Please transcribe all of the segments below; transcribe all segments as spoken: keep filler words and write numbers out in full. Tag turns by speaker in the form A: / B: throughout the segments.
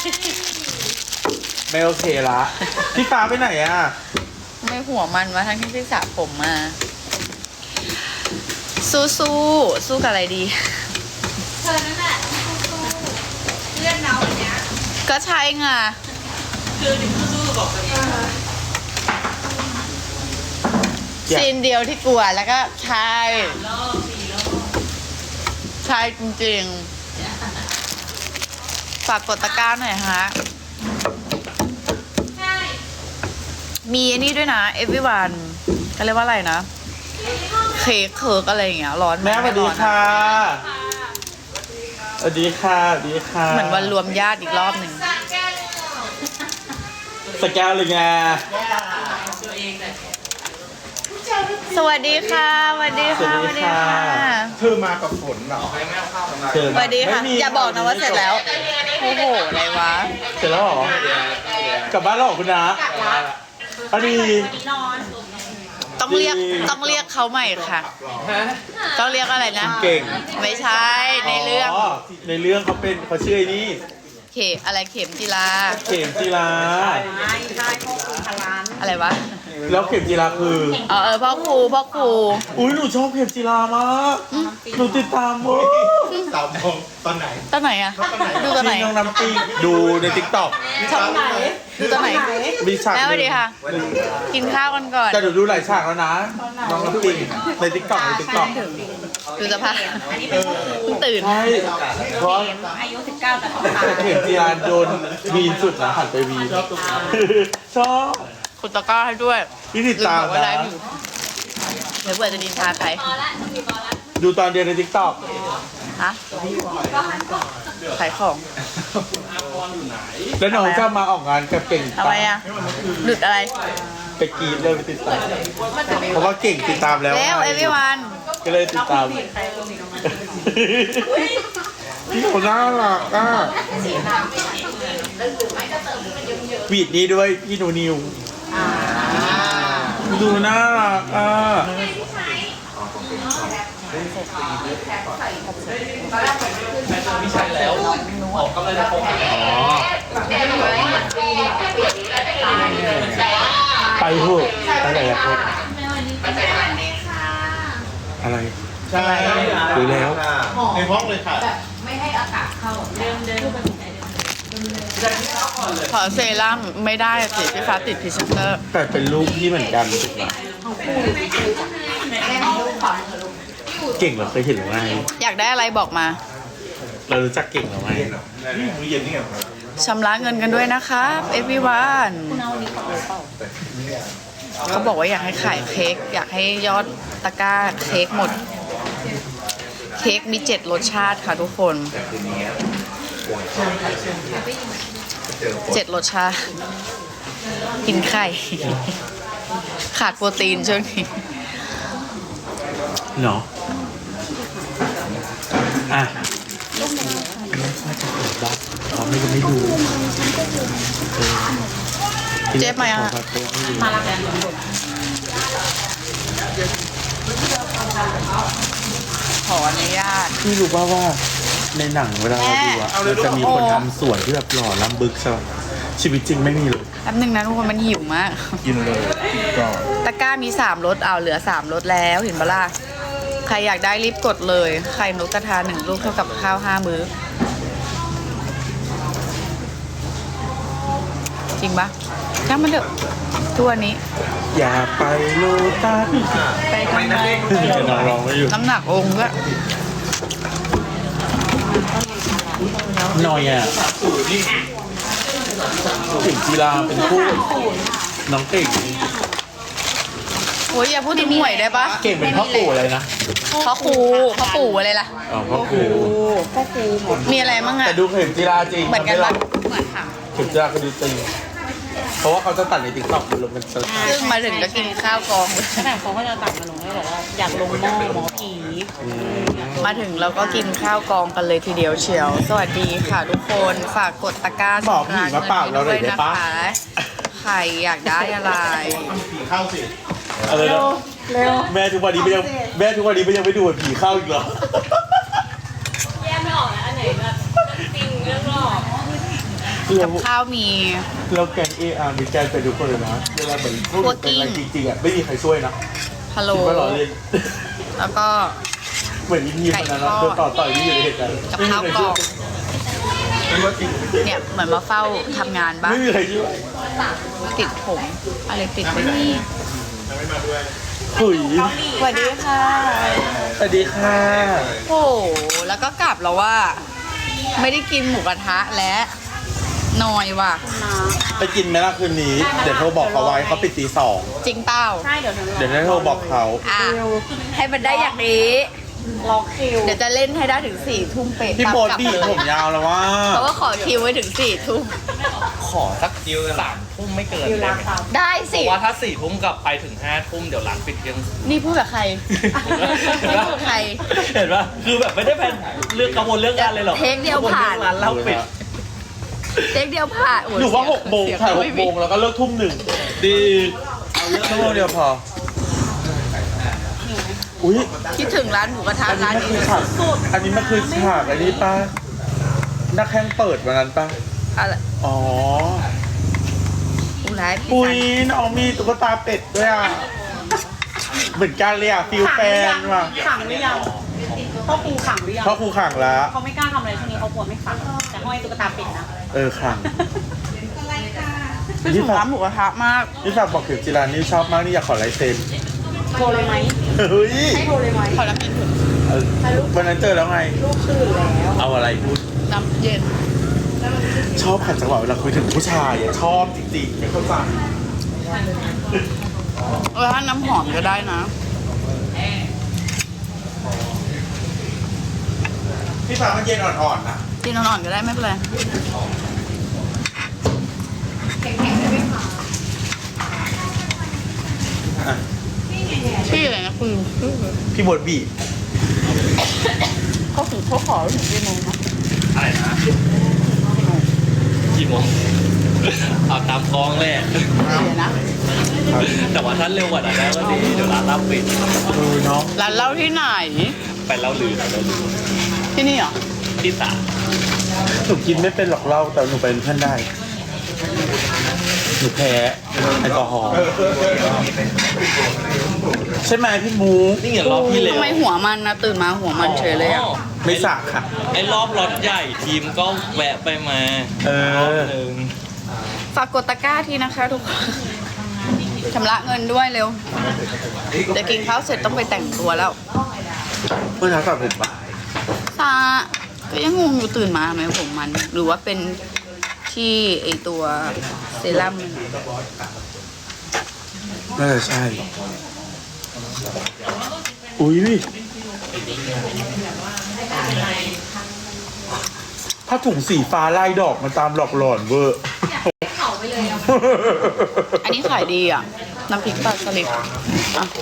A: ไม่โอเคละพี่ฟ้าไปไหนอ่ะ
B: ไม่หัวมันวะทั้งที่พี่สระผมมา สู้สู้สู้กับอะไรดี
C: เธอนั่นแหละสู้เลื่อนเนาอย่างเนี้ย
B: ก็ใช่ไง
D: คือดิสู้ๆบอกกัน
B: ซีนเดียวที่กลัวแล้วก็ใช่ใช่จริงๆฝากกดตะกร้าหน่อยฮะมีอันนี้ด้วยนะ everyone ก็เรียกว่าอะไรนะเค้กเคิร์กอะไรอย่างเงี้ยร้อน
A: แม่สวัสดีค่ะสวัสดีค่ะสวัสดีค่ะ
B: เหมือนวันรวมญาติอีกรอบหนึ่ง
A: สแกนเลยไง
B: สวัสดีค่ะสวัสดีค่ะสวัสดีค่ะ
A: เธอมากับฝนเหรอ
B: สวัสดีค่ะอย่าบอกนะว่าเสร็จแล้วโอ้โหอะไรวะ
A: เสร็จแล้วเหรอกลับบ้านแล้วเหรอคุณน้าอันนี้
B: ต้องเรียกต้องเรียกเขาใหม่ค่ะต้องเรียกอะไรนะ
A: เก่ง
B: ไม่ใช่ในเรื่อง
A: ในเรื่องเขาเป็นเขาชื่อไอ้นี่
B: เข็มอะไรเข็มจีรา
A: เข็มจีรา
C: ใช่ใช่พ่อครูพลาน
B: อะไรวะ
A: แล้วเข็มจีราคือ
B: เออเออพ่อครูพ่อครู
A: อุ้ยหนูชอบเข็มจีรามากหนูติดตามมั้ง
D: สาวมองตอนไหน
B: ตอนไหนอะดูตอนไหน
A: น้องน้ำปิงดูในติ๊กต็อก
B: ช่องไหนดูตอนไหน
A: มีฉาก
B: แล้วดีค่ะกินข้าวกันก่อน
A: แต่หนูดูหลายฉากแล้วนะน้องน้ำปิงในติ๊กต็อกในติ๊กต็อก
B: ดูสภาพเพิ่งตื่น
A: ใช่เพราะ
C: อายุสิบเก้าแต่ต้องตา
A: เข็มจีราโดนวีนสุดนะหันไปวีนชอบ
B: คุณตะก้าให้ด้วย
A: พี่ติดตามนะ
B: เดี๋ยวเปิดจะดินทาใคร
A: ดูตอนเดียวในติ๊กต็อก
B: ฮะขายของ
A: แล้วน้องจะมาออกงานกับเก่ง
B: ทำไมอ่ะหลุดอะไร
A: ไปกีดเลยไปติดตามเพราะว่าเก่งติดตามแล้ว
B: แล้วเอวิวัน
A: ก็เลยติดตามพี่หนูน่ารักอ่ะวีดนี้ด้วยพี่หนูนิวดูน่ารักอ่ะ
D: ไม่ใช่แล้วออกก็เลยจะโกงอ๋อ
A: ไปเถอะไปไหนอะครับอะไร
D: ใช่
A: ดูแล้ว
D: ในห้องเลยค่ะ
C: ไม่ให้อากาศเข้าเดิมเดิม
B: ขอเซรั่มไม่ได้สิพี่ฟ้าติดพรีเซนเตอร์
A: แต่เป็นลูกที่เหมือนกันเก่งเหรอเคยเห็นหรือไม่
B: อยากได้อะไรบอกมา
A: เรารู้จักเก่งหรือไม่
D: มื้อเย็นนี่ไง
B: ชำระเงินกันด้วยนะครับ everyone เขาบอกว่าอยากให้ขายเค้กอยากให้ยอดตะกร้าเค้กหมดเค้กมีเจ็ดรสชาติค่ะทุกคนเจ็ดรสชาติกินไข่ขาดโปรตีนช่วงนี้
A: เนาะอ่ะไม่ค่อยจะเปิดบ้างเราไม่ก็ไม่ดู
B: เจ๊มาอ่ะ
C: มาแล้วกัน
B: ขออนุญาต
A: พี่รู้ป่าวว่าในหนังเวลาเราดูอะมันจะมีคนทำสวนที่แบบหล่อล้ำบึกใช่ไหมชีวิตจริงไม่มีเลย
B: แป๊บนึงนะทุกคนมันหิวมาก
A: กินเลยก่อน
B: ตะกร้ามีสามรสเอาเหลือสามรสแล้วเห็นปะล่ะใครอยากได้รีบกดเลยไข่นกกระทาหนึ่งลูกเท่ากับข้าวห้ามื้อจริงปะช่างมันเถอะตัวนี้
A: อย่าไปโลตัส
B: ไปทำไม
A: น้องร้องไม่อยู่
B: น้ำหนักองค์ก็
A: หน่อยอ่ะถึงกีฬาเป็นคู่น้องเก่ง
B: โอ้ยอย่าพูดถึงหวยได้ปะ
A: เก่งเป็นพ่อปู่อะไรนะ
B: พ่อครูพ่อปู่อะไรล่ะ
A: อ๋อพ่อครู
B: พ่อครูมีอะไรมั่งอะ
A: แต่ดูเข็มกีฬาจริง
B: เหมือนกันปะเหมือนค่ะ
A: เข็มกีฬาก็ดูจริงเพราะว่าเขาจะตัดในติ๊กต็อกมันลงเป็นซึ่
B: งมาถึงก็กินข้าวกอง
C: ขนาดเขาก็จะตัดมาลงให้บอกว่าอยากลงหม้อหมอผี
B: มาถึงเราก็กินข้าวกองกันเลยทีเดียวเชียวสวัสดีค่ะทุกคนฝากกดตะกร้า
A: บอกผีมาเปล่าเราเลยได้ปะ
B: ใครอยากได้อะไร
D: ผีเข้าสิ
A: เร็วเร็วแม่ทุกวันนี้ไม่ยังแม่ทุกวันนี้ไม่ยังไม่ดูผีเข้าอีกเหรอ
C: แยกไม่ออกแล้วอันไหนแบบจริงเรื่องหลอก
B: กับข้าวมี
A: เราแกงเออาร์มีแกงไปทุกคนเลยนะเวลาเหมือนพูดเป็นอะไรจริงๆอ่ะไม่มีใครช่วยนะ
B: พะโล้
A: คิดว่าเราเล่น
B: แล้วก็
A: เหมือนยิ้มๆมันนะโดนต่อต่อยที่อยู่ในเหตุการณ์
B: กับข้าวกรอบ
A: ไม่ว่าจริง
B: เนี่ยเหมือนมาเฝ้าทำงานบ้าง
A: ไม่มีใครช่วย
B: ติดผมอะไรติดไปนี่
A: หุย
B: สวัสดีค่ะ
A: สวัสดีค่ะ
B: โอ้โหแล้วก็กลับแล้วว่า ไม่ได้กินหมูกระทะและนอยว่ะ
A: ไปกินไหมล่ะคืนนี้ เดี๋ยวโทรบอกเขาไว้เขาปิดตีสอง
B: จริงเปล่า
C: ใช่เดี๋ยวหนู
A: เดี๋ยวได้โทรบอกเขา
B: อ่ะให้มันได้อย่างนี้
C: ล็อกคิว
B: เดี๋ยวจะเล่นให้ได้ถึงสี่ทุ่มเป๊ะ
A: พี่โบด
B: กลั
A: บี้
B: เลย
A: ผมยาวแล้วว่า
B: เพราะว่าขอคิวไว้ถึงสี่ทุ่ม
D: ขอสักดิวสามทุ่มไม่เกิน
C: คิว
D: ได้
C: รัก
D: ไหม
C: สาว
B: ได้
D: เพ
B: สิ
D: ราะว่าถ้าสี่ทุ่มกลับไปถึงห้าทุ่มเดี๋ยวร้านปิดเที่ยง
B: นี่พูดกับใคร ไม่พูดกับใคร
D: เห็นปะคือแบบไม่ได้แพลนเรื่องกังวลเรื่องงานเลยหรอก
B: เทคเดียวผ่าน
D: กังวลเรื่องร้านเหล้าปิด
B: เด็กเดียวผ่านโ
A: หนูว่าหกโมง
B: เสีย
A: ถ่ายห
B: ไม่
A: ก
B: มี
A: โมงแล้วก็เลิกทุ่มหนึ่งดีเอาเรื่องชั่วโมงเดียวพอ อุ้ย
B: คิดถึงร้านหมูกระทะ
A: อันนี้
B: ร้าน
A: มัน
B: นี้
A: คือฉากอันนี้มันคือฉากอันนี้ป้านักแข่งเปิดวันนั้นป้า
B: อะไร
A: อ๋อ
B: อุไรพี่
A: ปุ้
B: สั
A: ย
B: น
A: น้องมีตุ๊กตาเป็ดด้วยอ่ะ เหมือนกันเลยอ่ะฟิลแฟนว่ะ
C: ขังหรือยังพ่อครูขังหรือยัง
A: เพราะครูขังแล้ว
C: เขาไม่กล้าทำอะไรช่วงนี้เขากลัวไม่ขังแต่ห้อยตุ๊กตาเป็ดนะ
A: เออขัง
B: คิดถึงร้านหมูกระทะมาก
A: นี่ฝากบอกเข็มจิรานี่ชอบมากนี่อยากขอลายเซ็น
C: โทรเลยไหม
A: เฮ้ย
C: ให้โทรเลยไหม
B: ขอน้ำเย็นเถอะ
A: เออวันนั้นเจอแล้วไง
C: ลูกตื่นแล้ว
A: เอาอะไรพูด
B: น้ำเย็น
A: ชอบขัดจังหวะเวลาคุยถึงผู้ชายอะชอบจริงๆไม่เข้าใจ
B: เออถ้าน้ำหอมก็ได้นะ
A: พี่ฟ้ามันเย็นอ่อนๆนะ
B: กินอ่อนๆก็ได้ไม่เป็นไร
A: อ่ะ
B: ชื่ออะไรนะคุณชื่อ
A: พี่บดบี
B: เขาถึงเขาขอถึงกี่โมงนะ
D: อะไรนะกี่โมงเอาตามกองเลย
B: เดี๋ยวนะ
D: แต่ว่าถ้าเร็วกว่านั้นได้ก็ดีเดี๋ยวร้านเหล้าปิด
A: เออเนาะ
B: ร้านเหล้าที่ไหน
D: ไปเหล้าลือเหล้าลือ
B: ที่นี่เหรอ
D: ที่สาม
A: หนูกินไม่เป็นหรอกเหล้าแต่หนูเป็นเพื่อนได้ หนูแพ้แอลกอฮอล์ใช่ไหมพี่มู
D: นี่ไงรอบที่เร็ว
B: ทำไมหัวมันนะตื่นมาหัวมันเฉยเลยอ่ะ
A: ไม่สระค่ะ
D: ไอ้รอบรถใหญ่ทีมก็แวะไปมา
A: เออ
D: รอบหนึ่ง
B: ฝากกดตะกร้าทีนะคะทุกคนชำระเงินด้วยเร็ว เดี๋ยวกินข้าวเสร็จต้องไปแต่งตัวแล้ว
A: เมื่อเช้าสระผมปะ
B: ซาก็ยังงงอยู่ตื่นมาทำไมผมมัน หรือว่าเป็นที่ไอตัวเซรั่มมัน
A: น่าจะใช่ อุ้ยถ้าถุงสีฟ้าลายดอกมันตามหลอกหลอนเวอร์
C: เขาไปเลยอ่ะ
B: อันนี้ขายดีอ่ะ น้ำพริกปลาสลิดอ่ะ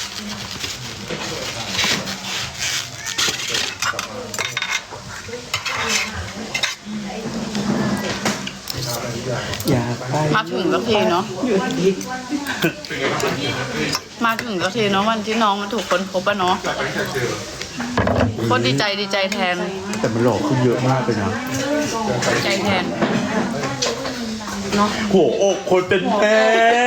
A: อยากไป
B: มาถึงสักทีเนาะ มาถึงสักทีเนาะวันที่น้องมันถูกคนพบอะเนาะโคตรดีใจดีใจแทน
A: แต่มันหลอกขึ้นเยอะมากเลยนะ
B: ดีใจแทน
A: หัวอกคนเป็นแม่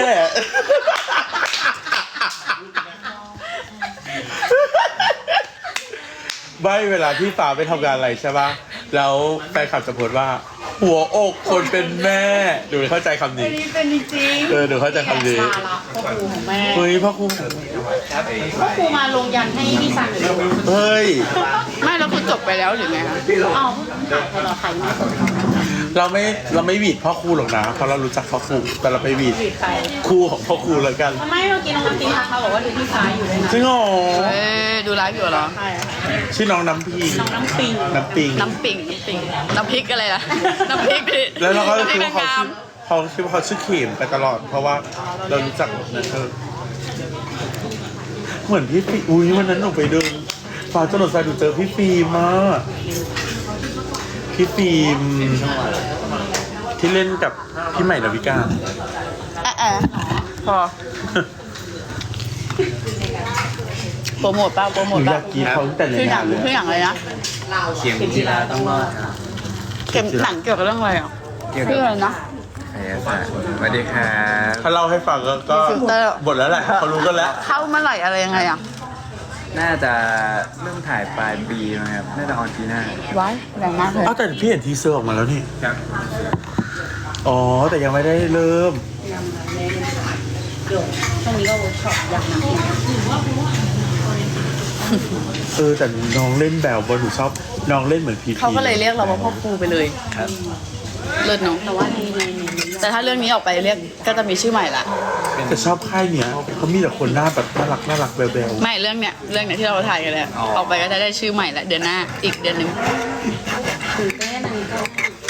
A: ไม่เวลาที่ฟ้าไปทำงานอะไรใช่ปะแล้วแฟนคลับจะพูดว่า หัวอกคนเป็นแม่ดูเข้าใจคำนี้
B: เป็นจริง
A: เออดูเข้าใจคำนี้
C: สาระพ่อครูของแม่
A: เฮ้ยพ่อครู
C: พ่อครูมาลงยันให้พี่ซันหรือ
A: เฮ้ย
B: ไม่แล้วคือจบไปแล้วหรือไงคะ
C: อ้าวเพิ่งถ่ายเราใครมาสด
A: เราไม่เราไม่หวีดพ่อครูหรอกนะเพราะเรารู้จักพ่อครูแต่เราไปหวีด
C: จีบใคร
A: ครูของพ่อครูแล้วกัน
C: ทำไมเมื่อกี้น้องน้ำปิงทักมาบอกว่าดูพี่ฟ้าอยู่ด้วยนะ
A: จริงเหรอ
B: เอ้ยดูไลฟ์อยู่เหรอ
C: ใช่
A: ชื่อน้องน้ำพิง
C: น้องน้ำปิง
A: น้ำปิง
B: น้ำปิ่งน้ำปิ่งน้ำพริกอะไรล่ะ น้ำพริกดิ
A: แล้วเราก็
B: น้ำพ
A: คิ
B: ริ
A: ด
B: ก
A: ว่าเขา
B: งา
A: ชื่
B: ม
A: อเขาคิดว่าเขาชื่อเข็มไปตลอด เพราะว่าเรารู้จักนะเธอเหมือนพี่ฟิอุ้ยวันนั้นหนูไปเดินฟ้าถนนสายหนูเจอพี่ฟิล์มมาพี่ฟิล์มที่เล่นกับพี่ใหม่ดาวิกา
B: แอะแอะพอ โปรโมทเปล่าโปร
A: ห
B: โม
A: นู
B: ท
A: อ
B: เปล่าย
A: ากกินเขาตั้งแต่ใน
B: คือหนั
A: งาง นเลย
B: คืออย่างอะไรนะ
D: เข็มจีราต้องรอด
B: เข็มหนังเกี่ยวกับเรื่องอะไรอ่ะ
E: เกี่ยว
B: ชื่
E: กั
B: อบ อะไรนะ
E: ไสยศาสตร์สวัสดีครับ
A: ถ้าเล่าให้ฟังก็ก็
B: ฟิลเตอร์
A: หมดแล้วแหละเขารู้กันแล้ว
B: เข้าเมื่อไหร่อะไรยังไงอ่ะ
E: น่าจะเริ่มถ่ายปลายปีนะครับน่าจะออนปีหน้า
B: ไว้แรงมากเลย
A: อ้าวแต่พี่เห็นทีเซอร์ออกมาแล้วนี่
E: ครับ
A: อ๋อ แต่ยังไม่ได้เริ่ม
C: ช่วงนี้ก็เวิร์กช็อปอย่างหนัก
A: เออแต่น้องเล่นแบบว่าหนูชอบน้องเล่นเหมือนพีพี
B: เขาก็เลยเรียกเราว่าพ่อครูไปเลย
E: ครับ
B: เลิศเนาะ
C: แต่ว่าในในใน
B: แต่ถ้าเรื่องนี้ออกไปเรียกก็จะมีชื่อใหม่ละ
A: แต่ชอบค่ายเนี้ยเขามีแต่คนหน้าแบบน่ารักน่ารักแบล
B: ไม่เรื่องเนี้ยเรื่องเนี้ยที่เราถ่ายกันเลยอะออกไปก็จะได้ชื่อใหม่ละเดือนหน้าอีกเดือนหนึ่ง
C: ตื่นเต้นอันนี้ก็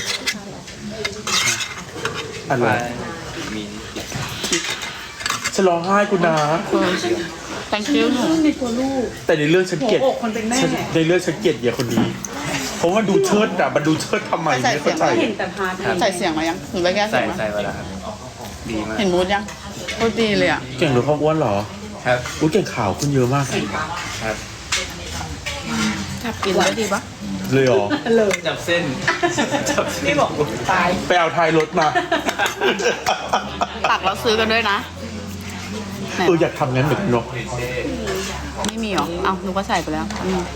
A: ๆอะไร
E: มี
A: ฉันร้องไห้กูนะ
B: แตงคิวหนู
C: ในตัวลูก
A: แต่ในเรื่องฉันเกลียด
C: หัวอกคนเป็นแม่
A: ฉันในเรื่องฉันเกลียดเหี้ยคนนี้เพราะว่าดูเชิดอะมันดูเชิดทำไมไม่เข้าใจ
C: เห็นแต่พาร์ทนี้
B: ใส่เสียงมายังหรือไปแก้
E: ใส่
B: เสียงมา
E: ใส่ไว้แล้วครับดีมาก
B: เห็นมูดยังโคตรดีเลยอ่ะ
A: เก่งหรือความอ้วนเหรอ
E: ครับ
A: อุ้ยเก่งข่าวขึ้นเยอะมาก
E: ครับ
B: จับกินได้ดีปะ
A: เลยเหรอ
C: เลย
E: จับเส้นจับเส้น
C: พี่บอกตาย
A: ไปเอาท้ายรถมา
B: ตักแล้วซื้อกันด้วยนะไหน
A: เอออยากทำงั้นเหมือนกันเนาะ
B: ไม่มีหรอเอ้าหนูก็ใส่ไปแล้วอืม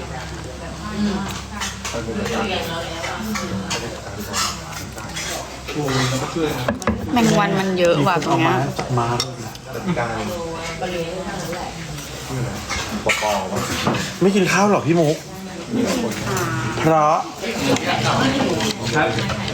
B: แมงวันมันเยอะ
A: มี
B: ว่ะ
A: คน
B: ตร
A: เอา
B: งเนี้
A: มาย จากมาไม่กินข้าวหรอพี่มุกเพราะ
E: ครับ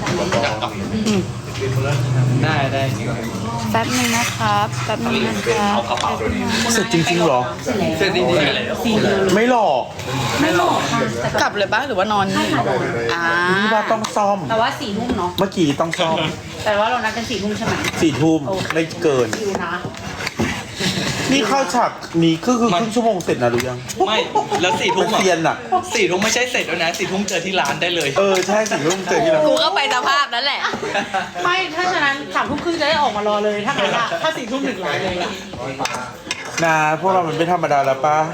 E: ได้ได้จริง
B: แป๊บนึงนะครับแป๊บนึงนะครับ
A: เสร็จจริงๆเหรอ
E: เสร็จจริงๆ
A: ไม่หลอก
C: ไม่หลอกค่ะ
B: กลับเลยปะหรือว่านอนนี่อ่า
A: นี่ว่าต้องซ่อม
C: แต่ว่าสี่ทุ่มเนาะ
A: เมื่อกี้ต้องซ่อม
C: แต่ว่าเรานัดกันสี่ทุ่มใช่ไหม
A: สี่ทุ่มไม่เกิน
C: คิวนะ
A: นี่เข้าฉากนี้คือคือครึ่งชั่วโมงเสร็จนะหรือยัง
D: ไม่แล้วสี่ทุ่
A: มั
D: ม
A: น
D: อ่ะ
A: เซียนอ่ะ
D: สี่ทุ่มไม่ใช่เสร็จแล้วนะสี่ทุ่มเจอที่ร้านได้เลย
A: เออใช่สี่ทุ่มเจอที่เรา
B: กูก็ไปสภาพนั้นแหละ
C: ไม่ถ้าฉะนั้นสามทุ่มครึ่งจะได้ออกมารอเลยถ้างั้นอะถ้าสี่ทุ่มถึงร้านเลยอะ
A: นาพวกเรามันไม่ธรรมดาแล้วป้า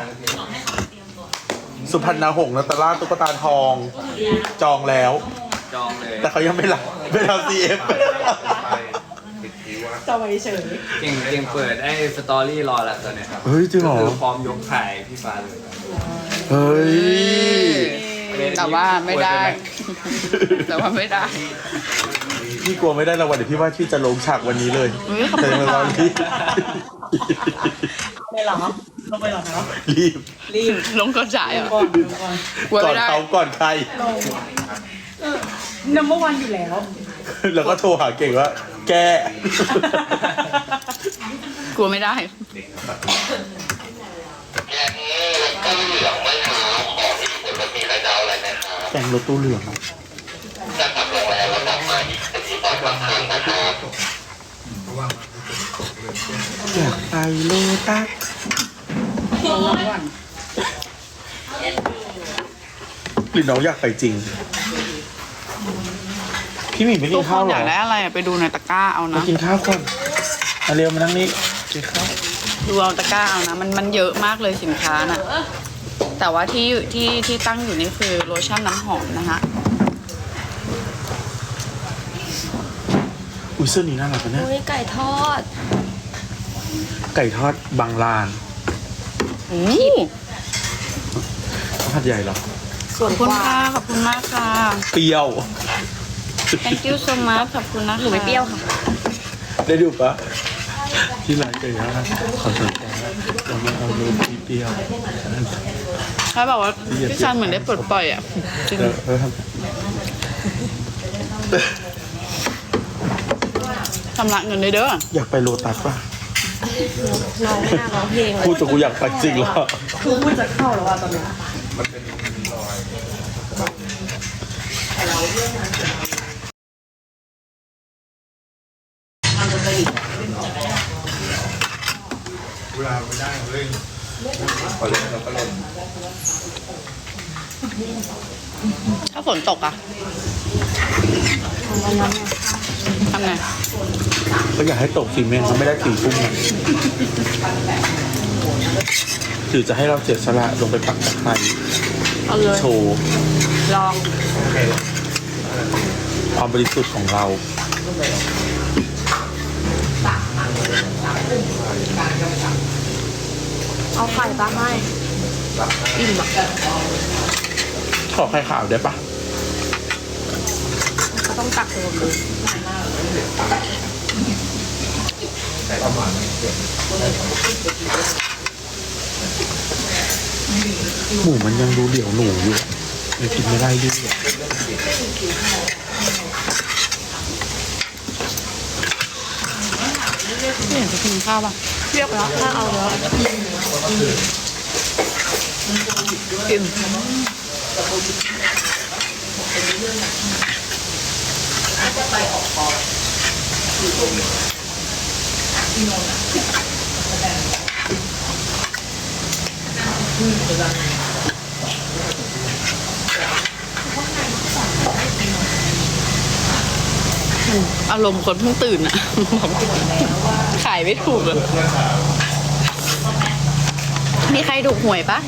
A: สุพรรณหงส์นัตตาลาตุ๊กตาทอง จองแล้ว
E: จองเลย
A: แต่เขายังไม่รับไม่รับซีเอฟ
C: จะไว้เฉย
E: เก่งเก่งเปิดไอ้สตอรี่รอแล้วตอนเนี้ยครับ
A: เฮ้ยจริงเหรอ
E: คือพร้อมยกถ่ายพี่ฟ้าเลย
A: เฮ้ย
B: แต่ว่าไม่ได้ แต่ว่าไม่ได้
A: พี่กลัวไม่ได้รางวัลเดี๋ยวพี่ว่าพี่จะลงฉากวันนี้เลย
B: เฮ้ยขอบคุณ
A: แต่ยังไม่
B: ค่ะ
A: รอรีบ
C: ไม่หรอลงไปหรอเนาะ
A: รีบ
C: รีบ
B: ลงกระจายเหรอ
C: ก่อนลงก่อน
B: กลัว
A: ก่อ
B: ไม่
A: น
B: ได้
A: เขาก่อนใคร
C: นัมเบอร์วันอยู่แล้ว
A: แล้วก็โทรหาเก่งว่า แก
B: กลัวไม่ได้
A: แต่งรถตู้เหลืองอะอยากไปโลตัสหรือน้องอยากไปจริง พี่หมีไม่กิ
B: ทุ
A: น
B: กค
A: ข้าวน เหร
B: อยากได้
A: อ
B: อะไรอะไปดูในตะกร้าเอา
A: มา
B: นะ
A: กินข้าวก่อนมาเร็วมานั่งนี่กินข้าว
B: ดูเอาตะกร้าเอานะ มันมันเยอะมากเลยสินค้าน่ะ แต่ว่าที่อยู่ที่ที่ตั้งอยู่นี่คือโลชั่นน้ำหอมนะคะ
A: อุ้ยเสื้อนี้น่ารักนะเนี่ย
C: อุ้ยไก่ทอด
A: ไก่ทอดบางลาน
B: โอ้
A: หัดใหญ่เหรอ
B: ขอบคุณค่ะ ขอบคุณมากค่ะ
A: เปรี้ยว
B: thank you so much ขอบคุณนะคะหนูไม่เปรี้ยวค่ะ
A: ได้ดูปะที่ร้านไก่ย่างขอสนใจเราไม่เอารูปที่เปรี้ยว
B: เขาบอกว่าพี่ชันเหมือนได้ปลดปล่อยอ่ะจริง
A: เออเออท
B: ชำระเงินเลยเด้อ
A: ำอยากไปโลตัสป่ะ
C: น้องหน้าร้องเพลงเลย
A: พูดจนกูอยากไปจริงแล้ว
C: คือพูดจะเข้าแล้วอะตอนเนี้ย
B: ถ้าฝนตกอ่ะทำไง
A: ก็อยากให้ตกสีเมนมันไม่ได้สีพุ่งนะหรือจะให้เราเสียสละลงไปปักตะไคร้
B: เอาเลย
A: โชว์
B: ลอง
A: ความบริสุทธิ์ของเรา
C: เอาไข่ปลาให้อิ่มอ่ะ
A: ขอไข่ขาวได้ปะ
C: ก็ต้องตักรวมเลย
A: หมูมันยังดูเหลียวหนูอยู่ยังกินไม่ได้ด้วย
B: ไม่เห็นจะกินข้าวป่ะ
C: เรียกแล้วถ้าเอาแล้ว
B: อิ่มอารมณ์คนเพิ่งตื่นอะ ขายไม่ถูกอะมีใครถูกหวยปะ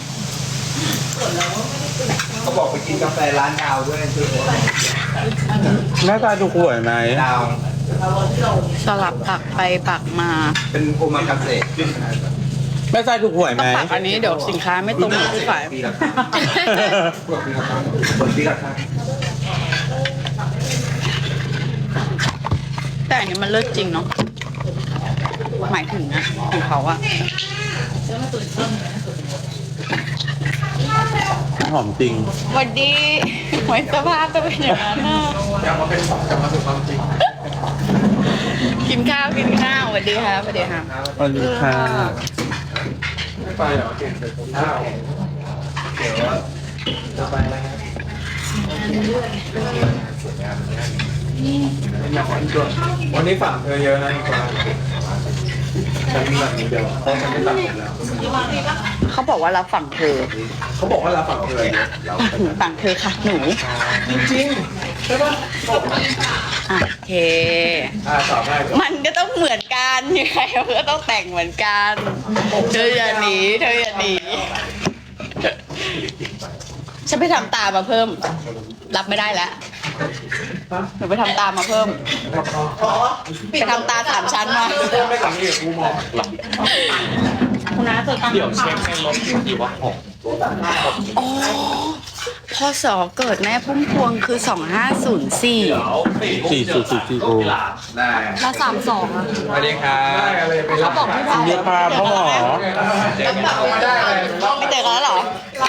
E: เขาบอกไปกินกาแฟร้านดาวด้วยคือ
A: หน้าตาดูหวยไหม
E: ดาว
B: สลับปักไปปักมา
E: เป็นโอมากาเสะ
A: แม่ทรายถูกหวยไหม
B: ปักอันนี้เดี๋ยวสินค้าไม่ตรงกับผู้ขาย
E: ปีละครั้งเปิดปีละครั้งเปิดปีละครั้ง
B: แต่อันนี้มันเลิศจริงเนาะ หมายถึงนะของเขาอะ
A: หอมจริง
B: วันดีไว้สภาพจะเป็นอย่างนั้นนะ
E: กลับมาเป็นของกลับมาสู่ความจริง
B: กินข้าวกินข้าวสวัสดีครับสวัสดีครับ
A: สวัสดีค่ะ
E: ไม่ไปเหรอเก่งเลยผมข้าวเดี๋ยวจะไปอะไรครับวันนี้ฝั่งเธอเยอะนะอีกว่าฉันมีแบบนี้เดียวเพราะฉันไม่ตัดผมแล้ว
B: เขาบอกว่ารับฝั่งเธอ
E: เขาบอกว่าเราฝั่งเธอเยอะเรา
B: ฝั่งเธอค่ะหนู
E: จริงๆใช่ปะ
B: อ่ะโอเค
E: อ่าตอบได้ก่อน
B: มันก็ต้องเหมือนกันยังไงมันก็ต้องแต่งเหมือนกัน เธออย่าหนีเธออย่าหนีฉันไปทำตามาเพิ่ม รับไม่ได้แล้วหนูไปทำตามาเพิ่ม ไปทำตาสามชั้นมา
E: ไม่หลังนี่กูมอง
B: คุณน้าเจอตาม
D: เดี๋ยวเช็คในรถดีว่าหก
B: อ๋อพศเกิดแม่พุ่มพวงคือสองห้าศูนย์สี่
D: เดี๋ยวสี่
A: สี่สุดสี่สี่โอ
E: ได้
C: แล้วสามสองอ่ะ
E: สวัสดีครับได้อะไรไปรับบอกไม่ได้
A: เรียกพาพ่อหมอ
E: ได้เลย
B: ไม่เจอกันแล้วเหรอ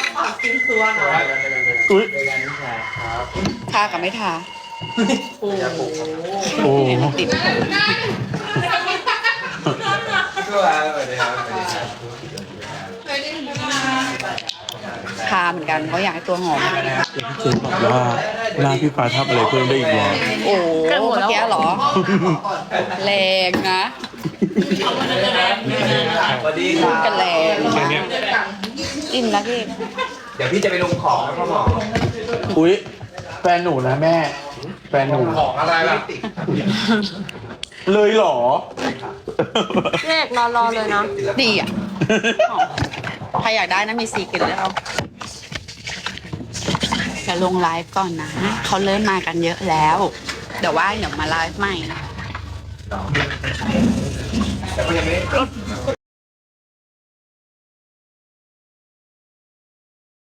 A: อุ้ย
B: ทากับไม่ทา
A: โอ้
B: ติด
E: ก็แล้วสวัสดีครับ
B: ทาเหมือนกันเขาอยากให้ตัวหอม
A: เจนบอกว่าหน้าพี่ฟ้าทำอะไรเพิ่มได้อีกแล้ว
B: โอ้เมื่อกี้เหรอ แรงนะ
E: สวัสดีค
B: พู
E: รั
B: ด
E: บ
B: กันแรงนะอิ่มแล้วพี่
E: เดี๋ยวพี่จะไปลงของนะพ่อหมอ
A: อุ้ยแฟนหนูนะแม่ แฟนหนู
E: ของอะไรล่ะ
A: เลยเหรอ
C: เลขรอรอเลยนะ
B: ดีอ่ะหอมใครอยากได้นะมีสีกลิ่นแล้วจะลงไลฟ์ก่อนนะ เขาเริ่มมากันเยอะแล้ว เดี๋ยวว่าเดี๋ยวมาไลฟ์ใหม่
E: แต่ก็ยังไม่ได้